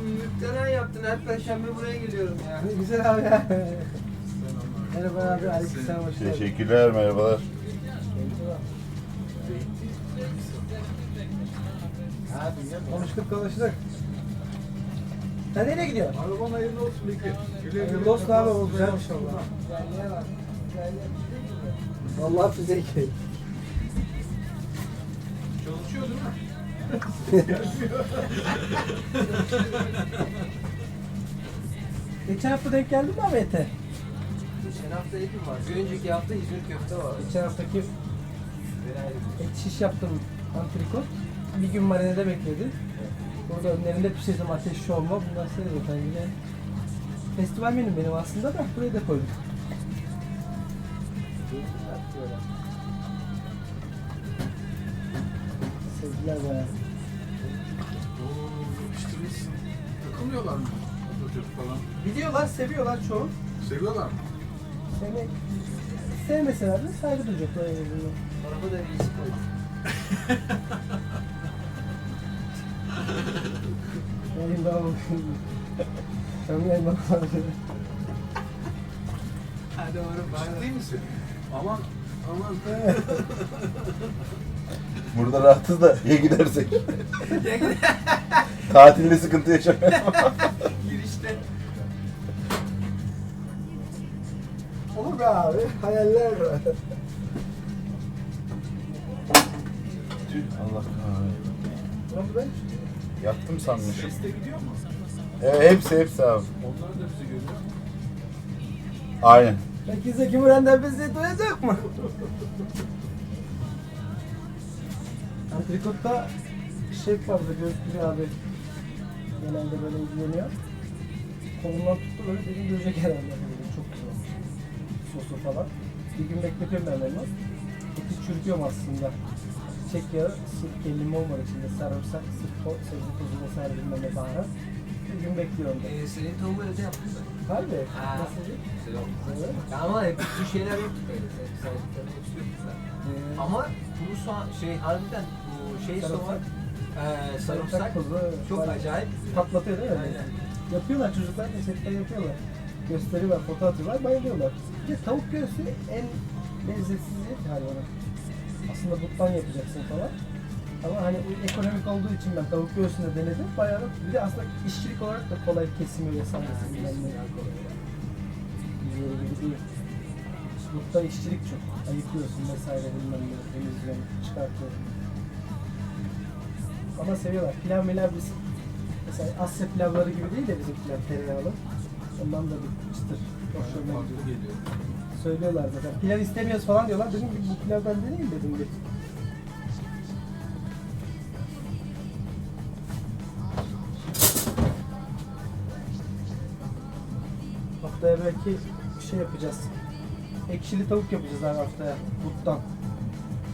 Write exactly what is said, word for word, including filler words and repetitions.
müptelen yaptın. Her perşembe buraya geliyorum ya. Ne güzel abi ya. Merhaba abi, aleykümselam, hoş geldin. Teşekkürler, merhabalar. Konuştuk konuştuk. Sen nereye gidiyorsun? Araban hayırlı olsun Bekir. Hayırlı olsun abi, o güzel inşallah. Vallahi füze ki. Çalışıyor değil mi? Geçen hafta denk geldin mi abi ete? Geçen hafta etim var. Bir önceki hafta İzmir köfte var. Geçen haftaki et şiş yaptım, antrikot. Bir gün marinede bekledi. Burada önlerinde pişirdim, ateş şovma. Bunlar size zaten yine festival menüm benim aslında da buraya da koydum. Sevgiler bayağı. Oo, yapıştırmışsın. Takılmıyorlar mı? Atatürk falan. Biliyorlar, seviyorlar çoğu. Seviyorlar mı? Seni sevmeseler de saygı duyacaklar en azından. Araba da iyisi koydum. Yayın daha bakıyorum. Tam yayın bakmadım. Hadi oğlum bana. Ciddi misin? Aman, aman. Burada rahatız da ya gidersek. Tatilde sıkıntı yaşamayalım. Girişte. Olur be abi, hayaller var. Tüh, Allah kahretsin. Ne oldu be? Yattım sanmışım. Seste gidiyor mu? Evet, hepsi hepsi abi. Onlar da bizi görüyor. Aynen. Peki Zeki Müren'den bizi duyacak mı? Antrikotta şef fazla gözüküyor abi. Genelde böyle ilgileniyor. Kolumdan tuttu böyle beni duyacak herhalde. Böyle çok güzel olmuş. Sosu falan. Bir gün bekletiyorum ben onu. Eti çürütüyorum aslında. Çiçek yağı, sirke, limon var içinde. Sarımsak, sirke, sebze tozu vesaire bilmem ne baharat. Bir gün bekliyorum da. Ee, senin tavuğu evde yaptın mı? Harbi. Ha. Nasıl değil? Güzel oldu. Evet. Ya ama hep bir şeyler yoktu böyle. Sen saydıklarını hepsi yoktu da. Ee, Ama kuru soğan, şey harbiden bu şey Sarımsak. soğan, eee sarımsak tozu, çok bayağı acayip. patlatıyor değil mi? Aynen. Yapıyorlar çocuklar da setten yapıyorlar. Gösteriyorlar, foto atıyorlar, bayılıyorlar. Bir de tavuk göğsü en lezzetsiz et hayvanı. Aslında buttan yapacaksın falan. Ama hani ekonomik olduğu için ben tavuk göğsünü denedim. Bayağı da bir de aslında işçilik olarak da kolay kesimi vesairesi bilmem ne. Diğeri gibi değil. Butta işçilik çok. Ayıklıyorsun vesaire bilmem ne. Temizliyorsun, çıkartıyorsun. Ama seviyorlar. Pilav milav biz mesela Asya pilavları gibi değil de bizim pilav tereyağlı. Ondan da bir çıtır. Hoşlarına Farklı gidiyor. geliyor. Söylüyorlar zaten. Pilav istemiyoruz falan diyorlar. Dedim ki bu pilavdan deneyim dedim bir. Haftaya belki bir şey yapacağız. Ekşili tavuk yapacağız abi haftaya. Buttan.